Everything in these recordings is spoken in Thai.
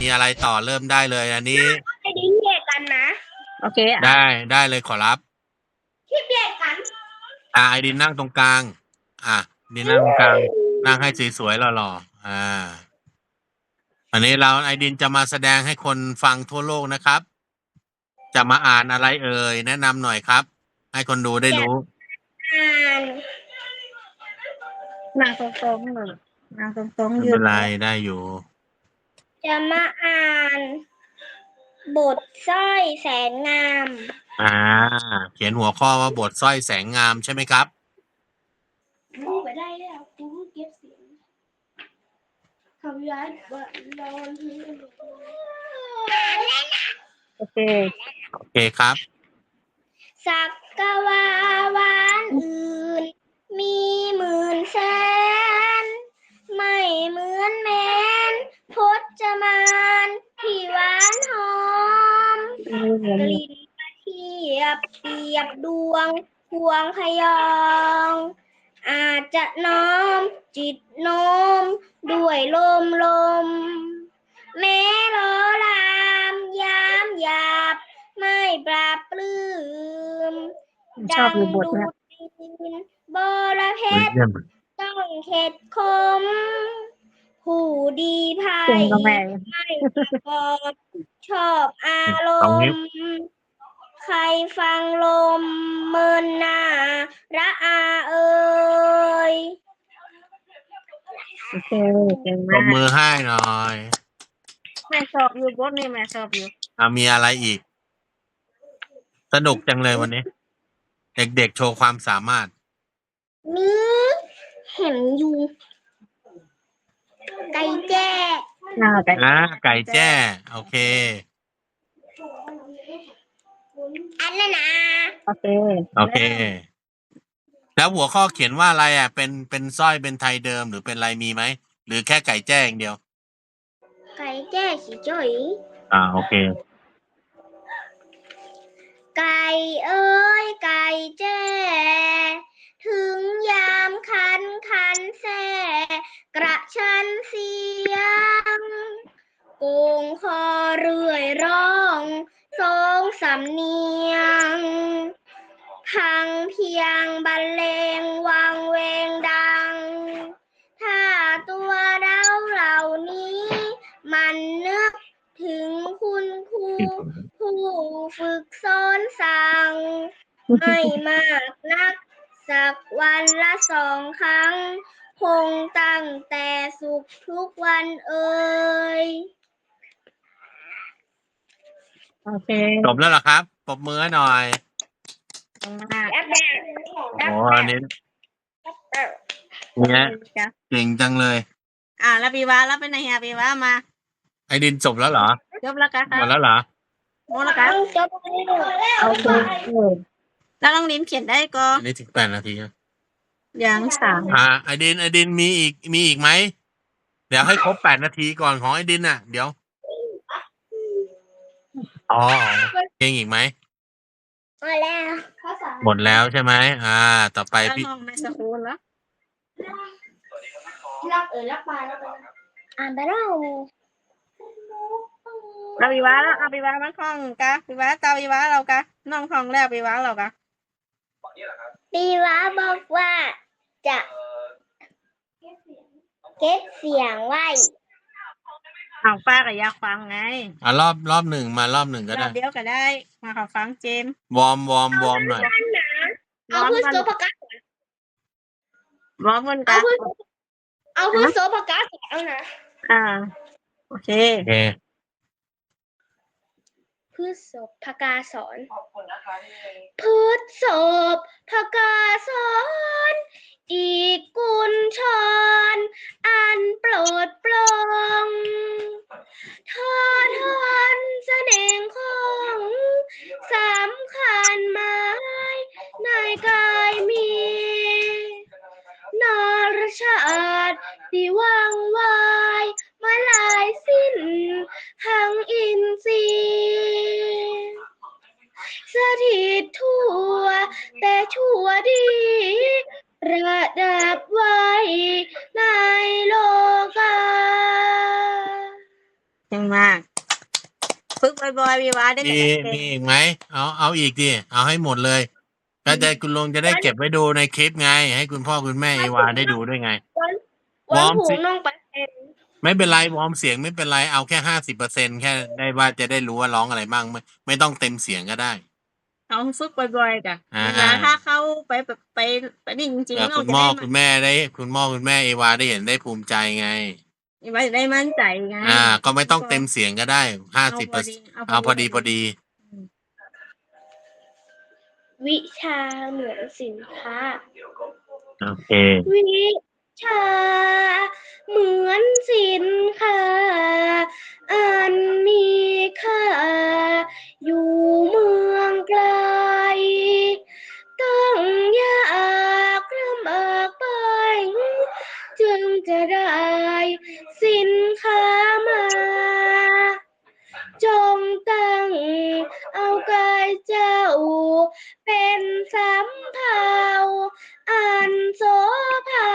มีอะไรต่อเริ่มได้เลยอันนี้ไอ้ดิ้งแยกกันนะโอเคได้เลยขอรับที่แยกกันไอดินนั่งตรงกลางดินนั่งตรงกลางนั่งให้สวยๆหล่อๆอันนี้ไอดินจะมาแสดงให้คนฟังทั่วโลกนะครับจะมาอ่านอะไรเอ่ยแนะนำหน่อยครับให้คนดูได้รู้อ่านนางตรงๆเลยนางตรงไม่ๆยืเป็นนไรได้อยู่จะมาอ่านบทสร้อยแสนงามเขียนหัวข้อว่าบทสร้อยแสงงามใช่ไหมครับรู้ไปได้แล้วกูเก็บเสียงคำย้ายบัตรนอนโอเคครับสักกะวาวานอื่นมีหมื่นแสนไม่เหมือนแมนพจมานที่หวานหอมกลิ่นกระเทียบเปรียบดวงพวงพยองอาจจะน้อมจิตโน้มด้วยลมแม้ล้อลามยามหยาบไม่ปราบปลื้มดังดูดดินบรเพชรต้องเข็ดคมผู้ดีภัยไม่ประกอบชอบอารมณ์ใครฟังลมเมินหน้าระอาเอ่ยโอเคเก่งตบมากมือให้หน่อยแม่ชอบอยู่บทนี้แม่ชอบอยู่มีอะไรอีกสนุกจังเลยวันนี้ เด็กๆโชว์ความสามารถมีเห็นอยู่ไก่แจ้ไก่แจ้โอเคอันนั้นนะโอเคแล้วหัวข้อเขียนว่าอะไรเป็นสร้อยเป็นไทยเดิมหรือเป็นอะไรมีไหมหรือแค่ไก่แจ้อย่างเดียวไก่แจ้ขี้จ้อยโอเคไก่เอ้ยไก่แจ้ถึงยามคันแซ่กระชันเสียงโกงคอเรื่อยร้องสองสำเนียงพังเพียงบรรเลงวังเวงดังถ้าตัวเราเหล่านี้มันนึกถึงคุณครูผู้ฝึกสอนสั่งไม่มากนักสักวันละ2 ครั้งคงตั้งแต่สุขทุกวันเอ่ยโอเคจบแล้วเหรอครับปรบมือให้หน่อยอันนี้เนี่ยเก่งจังเลยแล้วปีวาแล้วเป็นไงปีวามาไอดินจบแล้วเหรอจบแล้วกันหมดแล้วเหรอหมดแล้วกันจบโอเคแล้วน้องลิ้นเขียนได้ก็อันนี้ถึง8 นาทียัง3 ไอดินมีอีกไหมเดี๋ยวให้ครบ8 นาทีก่อนของไอดินเดี๋ยวเก่งอีกไหมหมดแล้วใช่ไหมต่อไปพี่ห้องไม่สกูลแล้วรักปลาแล้วอ่านไปแล้วเราปีวาแล้วเอาปีวามันคล่องกะปีวาเตาปีวาเรากะน้องคล่องแล้วปีวาเรากะปีวาบอกว่าจะเก็บเสียงไว้เอาป้ากับอยากฟังไงรอบหนึ่งมารอบหนึ่งก็ได้เดียวก็ได้มาขอฟังเจมวอร์มหน่อยเอาพืชโซปกาวอร์มกันกันเอาพืชโซปกาเอานะโอเคพืชศพพกาสอนพืชศพพกาสอนอีกกุลชรอันโปรดปรองทอทอนแสดงของสำคัญหมายในกายมีนรชาติที่ว่างวายมาลายสิ้นทั้งอินทรีย์สถิตทั่วแต่ชั่วดีระดับไว้ในโลกาเก่งมาก ฝึกบ่อยๆวิวาได้มีเก่งอีกไหมเอาอีกดิเอาให้หมดเลยก็จะคุณลุงจะได้เก็บไว้ดูในคลิปไง ให้คุณพ่อคุณแม่เอวาได้ดูด้วยไงวันผูสิกน้องไปเป็นไม่เป็นไรวอร์มเสียงไม่เป็นไรเอาแค่50%แค่ได้ว่าจะได้รู้ว่าร้องอะไรบ้างไม่ต้องเต็มเสียงก็ได้เอาฝึกบ่อยๆจ้ะอ่าเวลาถ้าเข้าไปแบบไปนี่จริงเผื่อๆเราคุณจะพ่อได้คุณแม่ได้คุณพ่อคุณแม่เอวาได้เห็นได้ภูมิใจไงวิวาจะได้มั่นใจไงก็ไม่ต้องเต็มเสียงก็ได้50%เอาพอดีวิชาเหมือนสินค้าโอเควิชาเหมือนสินค้าอันมีค่าอยู่เมืองไกลต้องอยากลำบากไปจึงจะได้สินค้ามา จงตั้งเอากายเจ้าเป็นสำเภาอันโสภา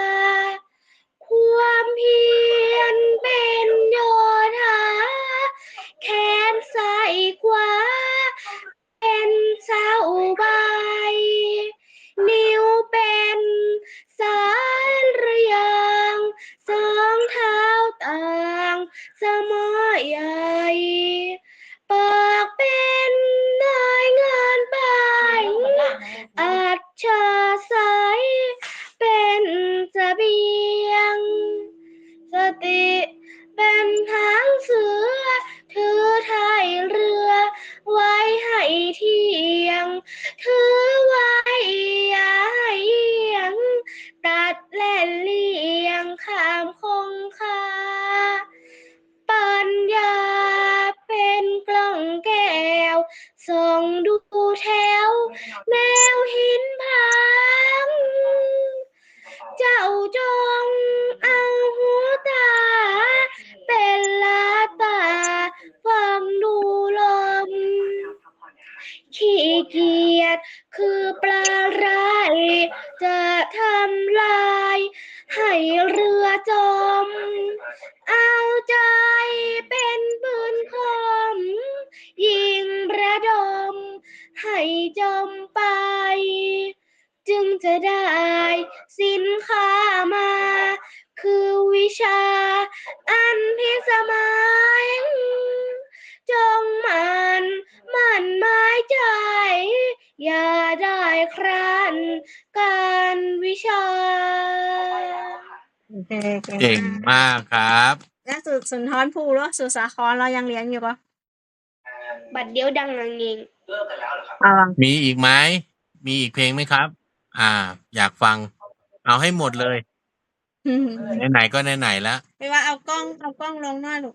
ความเพียรเป็นโยธาแขนซ้ายขวาเป็นเสาใบนิ้วเป็นสายระยางสองเท้าต่างสมอใหญ่ปากเป็นนายงานไปอัจฉริยเป็นเสบียงสติเป็นหางเสือถือท้ายเรือไว้ให้เที่ยงถือไว้อย่าให้เอียงตัดและเลี่ยงข้ามคงคาปัญญาเป็นกล่องแก้วส่องดูแถวแนวหินผางเจ้าจงเอาหูตาเป็นลาตาฟังดูลมขี้เกียจคือปลาร้ายจะทำลายให้เรือจมเอาใจเป็นปืนคมยิงระดมให้จมไปจึงจะได้สินค้ามา คือวิชาอันพิสมัยจงมันหมายใจ อย่าได้คร้านการวิชาโอเคเก่งมากครับแล้วสุนทรภู่หรือสุสาครเรายังเรียนอยู่ปะบัดเดียวดังนังเองมีอีกไหมมีอีกเพลงไหมครับ อยากฟัง เอาให้หมดเลยไหนๆก็ไหนๆแล้วไม่ว่าเอากล้องลงหน้าลูก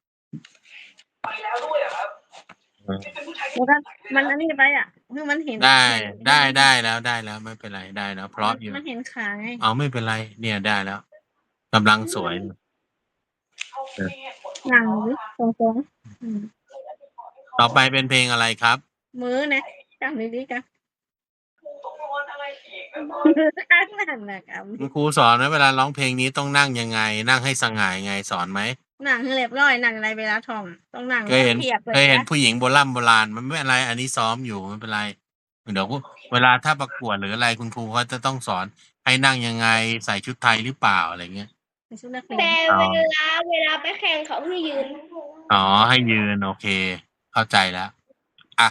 แล้วก็มันอันนี้ไปอ่ะคือมันเห็นได้แล้วไม่เป็นไรได้แล้วเพราะอยู่มันเห็นขาไงเอาไม่เป็นไร เนี่ยได้แล้วกำลังสวยหนังดิตรงๆต่อไปเป็นเพลงอะไรครับมือนะจำดีๆกันข้างหนังนะครับคุณครูสอนนะเวลาร้องเพลงนี้ต้องนั่งยังไง นั่งให้สง่ายังไงสอนไหมหนังให้เรียบร้อยหนังอะไรเวลาท่องต้องหนังเคยเห็นเพียบเลยเคยเห็นนะผู้หญิงโบราณมันไม่เป็นไร อันนี้ซ้อมอยู่ไม่เป็นไรเดี๋ยวเวลาถ้าประกวดหรืออะไรคุณครูเขาจะต้องสอนให้นั่งยังไงใส่ชุดไทยหรือเปล่าอะไรเงี้ยเป็นชุดนักเรียแต่นเวลาไปแข่งเขาให้ยืนอ๋อให้ยืนโอเค เข้าใจแล้วอ่ะ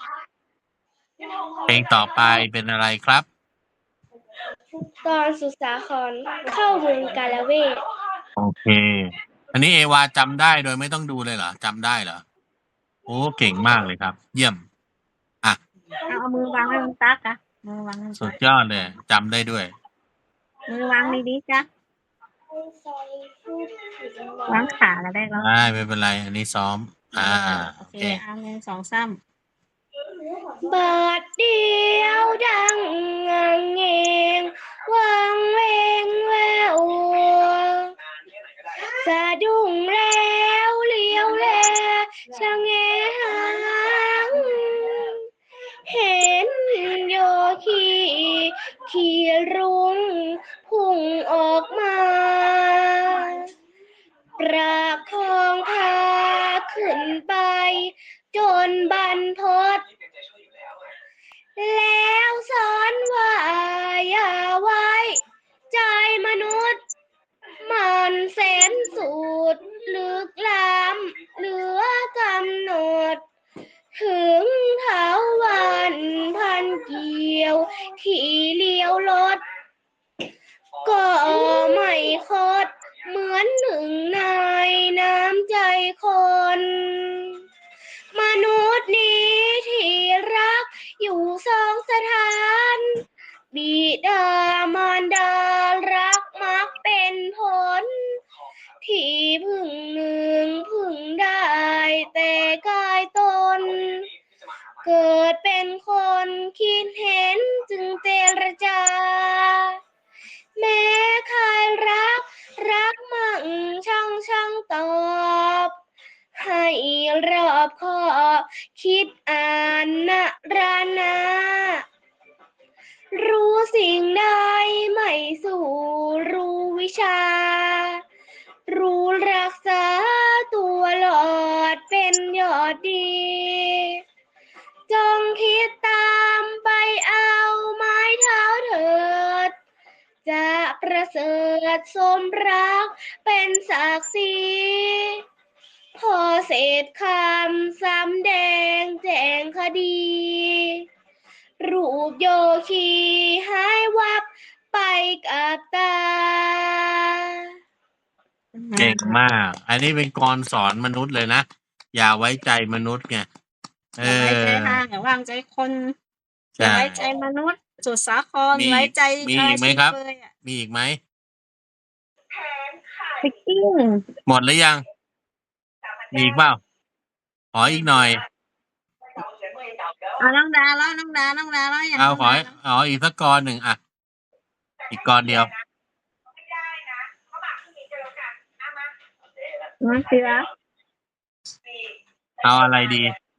เพลงต่อไปเป็นอะไรครับตอนสุสาครเข้าเมืองกาลเวทโอเค อันนี้เอวาจำได้โดยไม่ต้องดูเลยเหรอจำได้เหรอโอ้เก่งมากเลยครับ เยี่ยมเอามือวางไว้บนตักอะมือวางไว้บนสุตัดกยอดเลยจำได้ด้วยมือวางดีๆจ้ะวางขาแล้วได้แล้วไม่เป็นไร อันนี้ซ้อมโอเคเอาหนึ่งสองสามบาดเดียวดังเงงวังเวงแววสะดุ้งแล้วเลี้ยวแลชะแงหางเห็นโยคีขี่รุ้งพุ่งออกมาประคองพาขึ้นไป จนบรรพตแล้วสอนว่าอย่าไว้ ใจมนุษย์ มันแสนสุดลึกล้ำเหลือกำหนด ถึงเถาวันพันเกี่ยวที่เลี้ยวรถ ก็ไม่คดเหมือนหนึ่งในน้ำใจคน มนุษย์นี้ที่รักอยู่สองสถาน บิดามารดารักมักเป็นผล ที่พึ่งหนึ่งพึ่งได้แต่กายตน เกิดเป็นคนคิดเห็นจึงเจรจา แม้ใครรักมั่งช่างตอบ ให้รอบคอบคิดอ่านนะรานา รู้สิ่งใดไม่สู่รู้วิชา รู้รักษาตัวหลอดเป็นยอดดี จงคิดตามไปเอาไม้เท้าเถิด จะประเสริฐสมรักเป็นศักดิ์ศรี พอเศษคำสำแดงแจงคดี รูปโยคีหายวับไปกับตาเก่งมาก อันนี้เป็นกรสอนมนุษย์เลยนะ อย่าไว้ใจมนุษย์ไงอย่าไว้ใจทางอย่าวางใจคนอย่าใช่ไว้ใจมนุษย์สุดสาครมีไว้ใจมีอีกไหมครับเลยอะมีอีกไหมฟิกกิ้งหมดหรือยัง มีอีกเปล่าขออีกหน่อยเอาน้องดาแล้วน้องดาแล้วอย่างเอาน้องขอดาแล้วอีกสักกรหนึ่งอ่ะ อีกกรเดียวน้องศิระเอาอะไรดี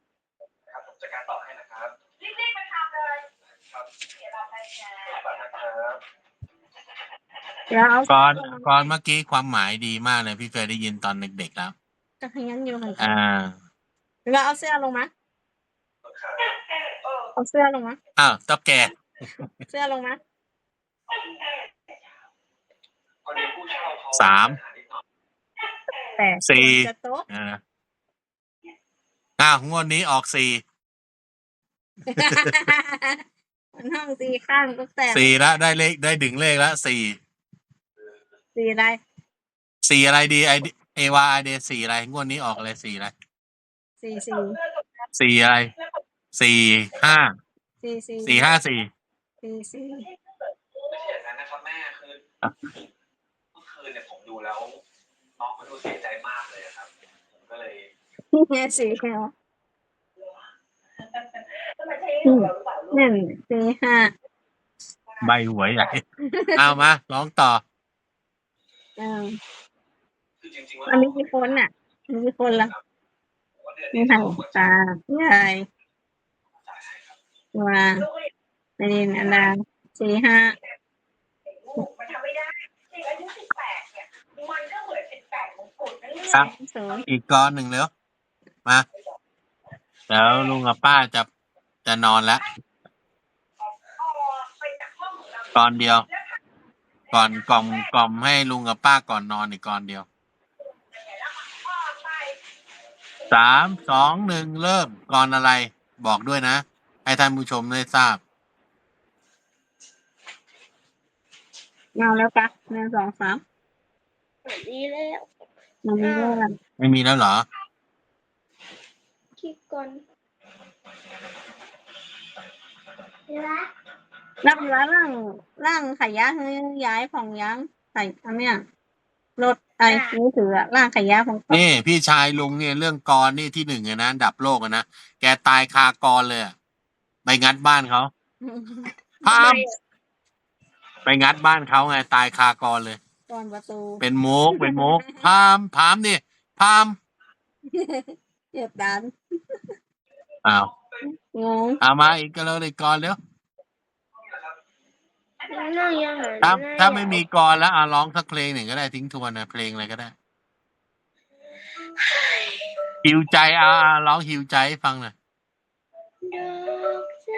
เดี๋ยวเอากรเมื่อกี้ความหมายดีมากเลยพี่เคยได้ยินตอนเด็กๆแล้วจะขยันอยู่ค่ะอ่าเอาเสื้อลงมาเอาเสื้อลงมาอ้าวต๊อบแกเสื้อลงมา 3 แต่ 4 จะโต๊ะงวดนี้ออกมันห้องสีข้างก็แต่ 4แล้วได้ดึงเลขแล้ว 4 สีอะไรอะไรดีเอวาไอเด4อะไรงวดนี้ออกอะไร4อะไรสี 4อะไร4 5 สี 4 5 4 สีไม่ใช่อย่างนั้นนะครับแม่คือเมื่อคืนเนี่ยผมดูแล้วน้องเขาดูเสียใจมากเลยครับผมก็เลยเนี่ยสีเหรอหนึ่งสี่ห้าใบหวยใหญ่ เอามาร้องต่อคือจริงๆว่าอันนี้กี่คนน่ะมีกี่คนละว่าเดือนมีนี้ทางผมก็ตาใหญ่จ่ายให้ครับว่าในอันดาสี่ห้ามันทำไม่ได้เด็กอายุ18เนี่ยมันก็เหมือน18มงกุฎนั่นแหละครับศูนย์อีกกรหนึ่งเร็วมาแล้วลุงกับป้าจะนอนแล้วกรเดียว ก่อนกล่อมให้ลุงกับป้าก่อนนอนอีกกรเดียว 3 2 1 เริ่มกรอะไร บอกด้วยนะ ให้ท่านผู้ชมได้ทราบเอาแล้วปะหนึ่งสองสามดีแล้วมันมีเรื่องอะไรไม่มีแล้วเหรอคิดก่อนรับอยู่ว่าร่างขยะให้ย้ายของย้างใส่อันเนี้ยรถไอ้มือถืออะร่างขยะของนี่พี่ชายลุงเนี่ยเรื่องกรนี่ที่ 1เลยนะอันดับโลกอะนะแกตายคากรเลยอะไปงัดบ้านเขาพามไปงัดบ้านเขาไงตายคากรเลยก่อนประตูเป็นมุกพามนี่พามเจ็บดันอ้าวงงเอามาอีกก็เลยกรเร็วนั่งยังไงถ้าไม่มีกรแล้วร้องสักเพลงหนึ่งก็ได้ทิ้งทวนนะเพลงอะไรก็ได้หิวใจร้องหิวใจให้ฟังหน่อยดอกจ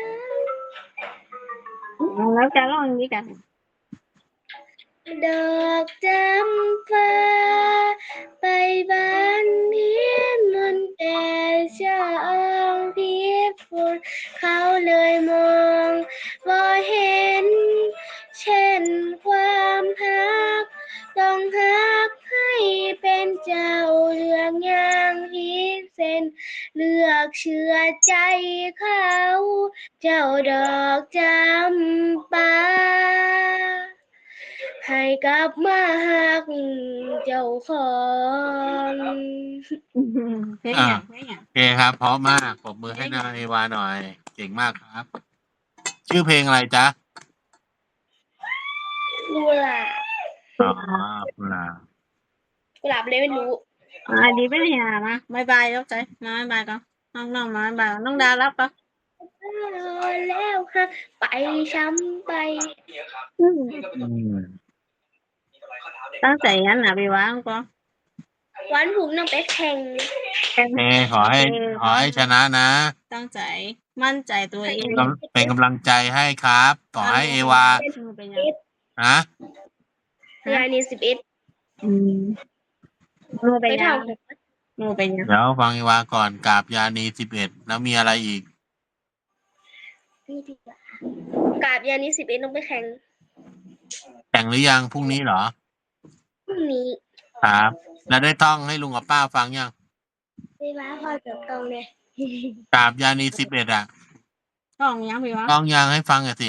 แล้วจะร้องอย่างนี้กันำดอกจำฟ้าไปบ้านเพียนมันแต่ช่างพิฝนเขาเลยมองบ่เห็น เช่นความฮักต้องฮักให้เป็นเจ้าเลือกอย่างพิเศษเลือกเชื่อใจเขา เจ้าดอกจำปาให้กลับมาฮักเจ้าของเพลงอย่างเพลงอย่างโอเคครับ เพราะมากปรบมือให้นางเอวาหน่อย เก่งมากครับ ชื่อเพลงอะไรจ๊ะกุหลาบอ๋อกุหลาบกุหลาบเลยไม่รู้ดีไปเนี่ยมาบายบายแล้วใจมาบายบายก่อนน้องมาบายบายน้องดารับปะแล้วฮักไปช้ำไปเยอะครับอืมนี่ก็เป็นอืมมีกำไรข้อเท้าเด็กตั้งใจงั้นนะไปวางก็วันผมต้องไปแข่งโอเคขอให้ชนะนะตั้งใจมั่นใจตัวเองเป็นกำลังใจให้ครับขอให้เอวาเป็นยังนะยายนี่11 หนูเป็ไปนยัเท่างหนูเป็นยังเดี๋ยวฟังเอวาก่อนกราบยานี11แล้วมีอะไรอีกนี่ดีกว่ากราบยายนี่11ต้องไปแข่งแข่งหรือยังพรุ่งนี้เหรอพรุ่งนี้ครับ แล้วได้ท่องให้ลุงกับป้าฟังยังไม่ว่าพ่อเติบโตเลยกราบยานี11อ่ะท่องยังไปวางท่องยังให้ฟังหน่อยสิ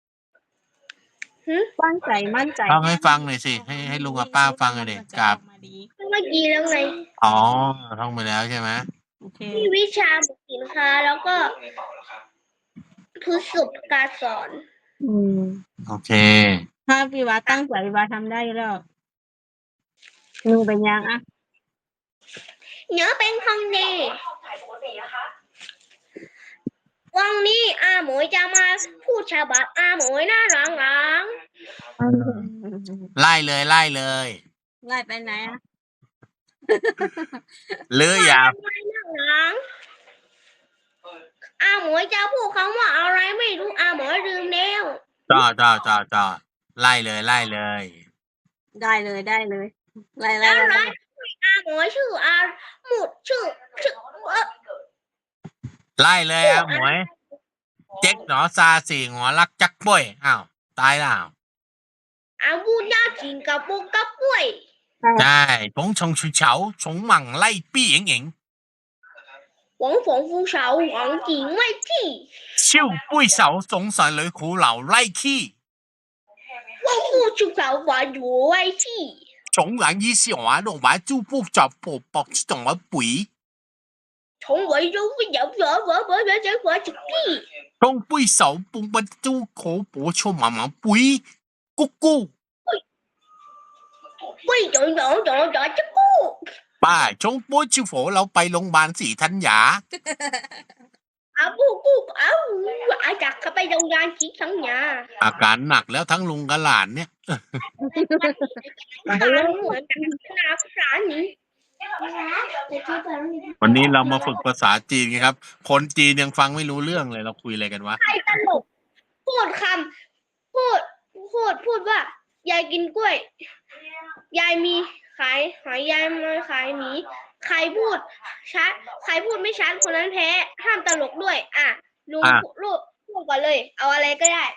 ตั้งใจมั่นใจท่องให้ฟังหน่อยสิให้ลุงกับป้าฟังหน่อยดิกราบมาดีเมื่อกี้แล้วไงอ๋อท่องไปแล้วใช่ไหมโอเคมีวิชาสินค้าแล้วก็ในเป่าแล้วครับทุกสุการสอนโอเคถ้าพี่วาตั้งใจพี่วาทำได้แล้วหนูเป็นยังอ่ะเนื้อเป็นของดีวันนี้อาหมวยจะมาพูดฉบับอาหมวยหน้าหลังไล่เลยไล่ไปไหนอ่ะหรืออย่าหลังอาหมวยจะพูดคำว่าอะไรไม่รู้อาหมวยลืมแล้วจ่อไล่เลยได้เลยไล่อะไรอาหมวยชื่ออาหมุดชื่อไล่เลยอ่ะหมวย เจ๊กหนอซาสี่หัวรักจักป่วยอ้าวตายแล้วอาบูญาจิงกับปุกกับป่วยใช่ผงชงชูเฉาชงหมั่งไล่ปี้เอ๋งหวังฝงฟูเฉาหวังจิงไม่ที่ชิวปุ้ยเสาสงสัยเลยขู่เหล่าไล่ขี้หวังฟูชูเฉาหวังอยู่ไว้ที่ชงหลังยี่สิบหัวดอกไม้จูปูจับปกปอกจังหวะปุ๋ย从维州不有直地， ชงปุ้ยเสาปุงปันจูโขปัวชวหมาหมาปุ๋ยกุ๊กกู้喂有这个， ป้าชงปุ้ยชิวโฝเราไปโรงพยาบาลสีธัญญา啊不啊咋个被中央集成呀？ อาการหนักแล้วทั้งลุงกับหลานเนี่ย วันนี้เรามาฝึกภาษาจีนไงครับ คนจีนยังฟังไม่รู้เรื่องเลยเราคุยอะไรกันวะใครตลกพูดคำพูดว่ายายกินกล้วย ยายมีขายหอยยายมาขายหมีใครพูดชัดใครพูดไม่ชัดคนนั้นแพ้ห้ามตลกด้วย อ่ะลุงรูปพูดก่อนเลย เอาอะไรก็ได้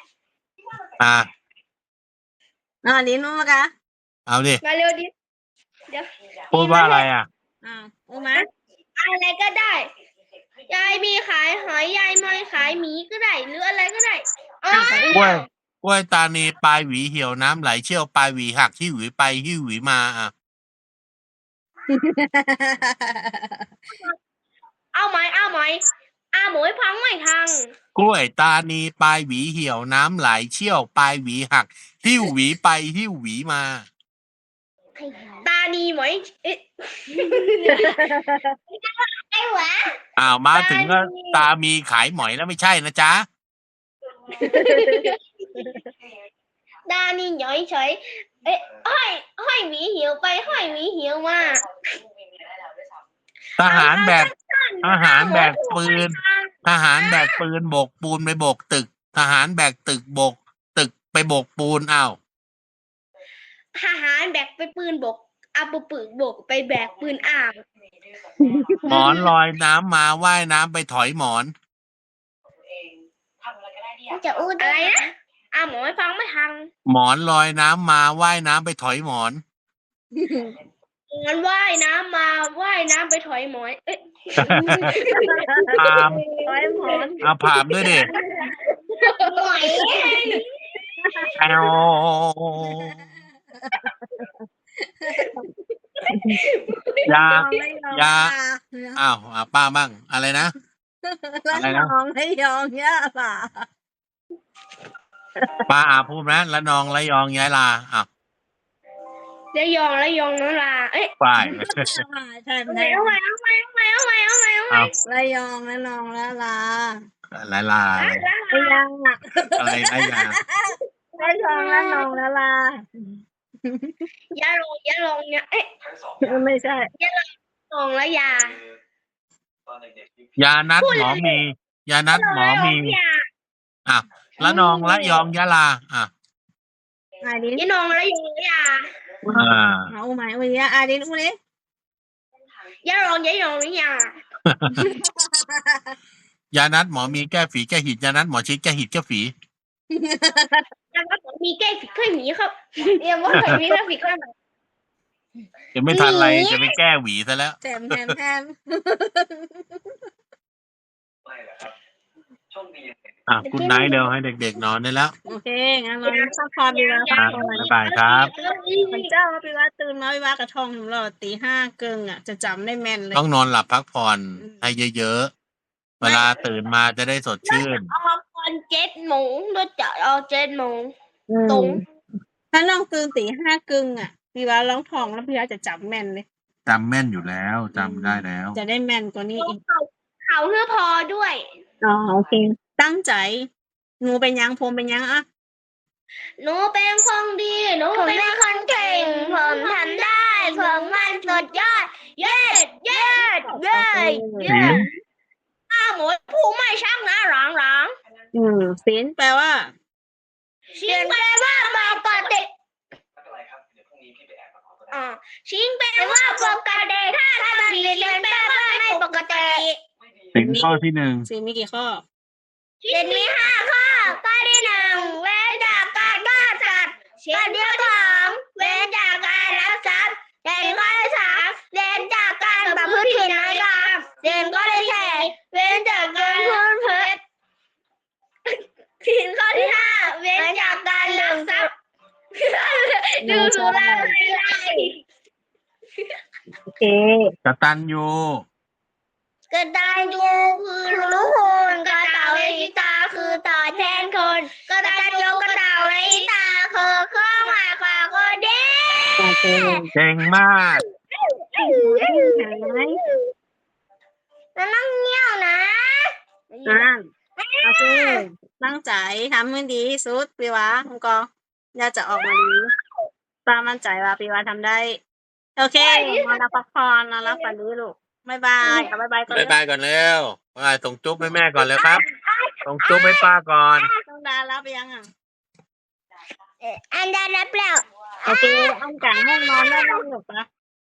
ลิ้นมากะเอาดิมาเร็วดิเดี๋ยวพูดว่าอะไรอ่ะอูมาอะไรก็ได้ ยายมีขายหอยยายมาขายหมีก็ได้ หรืออะไรก็ได้อ๋อกล้วยตานีปลายหวีเหี่ยวน้ำไหลเชี่ยวปลายหวีหักที่หวีไปที่หวีมาอ่ะเอาไหมอาหมวยพังไม่ทังกล้วยตานีปลายหวีเหี่ยวน้ำไหลเชี่ยวปลายหวีหักที่หวีไปที่หวีมาตานีไหมเอ๊ะไอ้หวะมาถึงก็ตามีขายหมอยแล้วไม่ใช่นะจ๊ะตานีหน่อยเฉยเอ๊ะห้อยหมีเหี่ยวไปห้อยหมีเหี่ยวมาทหารแบกปืน ทหารแบกปืนโบกปูนไปโบกตึก ทหารแบกตึกโบกตึกไปโบกปูนอ้าวทหารแบกไปปืนบกเอาปืนบกไปแบกปืนอ่างหมอนลอยน้ำมาว่ายน้ำไปถอยหมอนจะอู้อะไรนะหมอไม่ฟังไม่ทันหมอนลอยน้ำมาว่ายน้ำไปถอยหมอนงั้นว่ายน้ำมาว่ายน้ำไปถอยหมอนเอ๊ะพามร้อยหมอนเอาผามด้วยดิหน่อยแอว ยาไม่ยอมยา อ้าวป้าบ้าง อะไรนะละอะไรนนะองไม่ยอมย่าล่ะป้าพูดนะละนองละยองย้ายลาอ้าวระยองน้องลาเอ๊ะฝ่ายใช่เอาไหมใหม่เอาใหม่เอาใหม่เอาใหม่เอาใหม่เอาใหม่อ้าวระยองละนองละลาลาลาไม่ยังอ่ะอะไรไรยาระยองละนองละลายาลงเนี่ยเอ๊ะทั้งสองอย่างไม่ใช่ลงแล้วยาคือตอนเด็กๆที่ยานัดหมอมี ยานัดหมอมียาอ่ะละนองละยองยะลาอ่ะอาดินยานองแล้วยองยาอ่าเอาไหมอุ้ยอาดินอุ้ยยาลงแล้วยายานัดหมอมีแก้ฝีแก้หิดยานัดหมอชิดแก้หิดแก้ฝีแล้วก็มีแก้ฝีเคยหมีครับเรียกว่าเคยมีแก้ฝีเคยหมีจะไม่ทันไรจะไปแก้หวีซะแล้วแถมไม่แหละครับโชคดีอย่างหนึ่งอ่ะคุณไนท์เดี๋ยวให้เด็กๆนอนได้แล้วโอเคงั้นเราพักผ่อนดีแล้วอ่ะ บ๊ายบายครับพระเจ้าพี่ว่าตื่นมาพี่ว่ากระทองของเราตีห้าเกิงอ่ะจะจำได้แม่นเลยต้องนอนหลับพักผ่อนให้เยอะๆ เวลาตื่นมาจะได้สดชื่นเอาตอน7 โมงด้วยจะเอา7 โมงตรงถ้าน้องตื่นตีห้าเกิงอ่ะพี่ว่าร้องทองแล้วพี่ว่าจะจำแม่นเลยจำแม่นอยู่แล้วจำได้แล้วจะได้แม่นกว่านี้อีกเขาเพื่อพอด้วยอ๋อโอเค ตั้งใจหนูเป็นยังผมเป็นยังอ่ะหนูเป็นคนดีหนูเป็นคนเก่งผมทำได้ผมมันสุดยอด เย้เย้เย้เย้หมูผู้ไม่ช่างนะหลังศีลแปลว่าชิงแปลว่าปกติไม่เป็นไรครับ เดี๋ยวพรุ่งนี้พี่ไปแอบมาขอก็ได้ชิงแปลว่าปกติถ้าทำผิดชิงแปลว่าไม่ปกติถึงข้อที่หนึ่งศีลมีกี่ข้อชิงมี5 ข้อข้อที่ 1เว้นจากการฆ่าสัตว์ข้อที่ 2เว้นจากการลักทรัพย์ข้อที่ 3เว้นจากการประพฤติผิดในกรรมข้อที่ 4เว้นจากการพูดเท็จข้อที่ 5เว้นจากการลักทรัพย์ดูสุราเมรัยโอเคกตัญญูกตัญญูคือรู้คุณกตเวทิตาคือตอบแทนคนกตัญญูกตเวทิตาคือเครื่องหมายความคนดีโอเคเก่งมากเห็นไหมแล้วนั่งเงี้ยวนะโอเค ตั้งใจทำให้ดีที่สุดพี่วะมังกรอย่าจะออกมาดีป้ามั่นใจว่าพี่วะทำได้ โอเคนอนรับพักผ่อนนอนรับฝันดีลูกบ๊ายบายบ๊ายบายก่อนบ๊ายบายก่อนเร็วบ๊ายบายส่งจุ๊บให้แม่ก่อนเลยครับส่งจุ๊บให้ป้าก่อนต้องดารับไปยังอ่ะอันได้รับแล้วโอเคอันจ่ายห้องนอนได้แล้วลูกปะ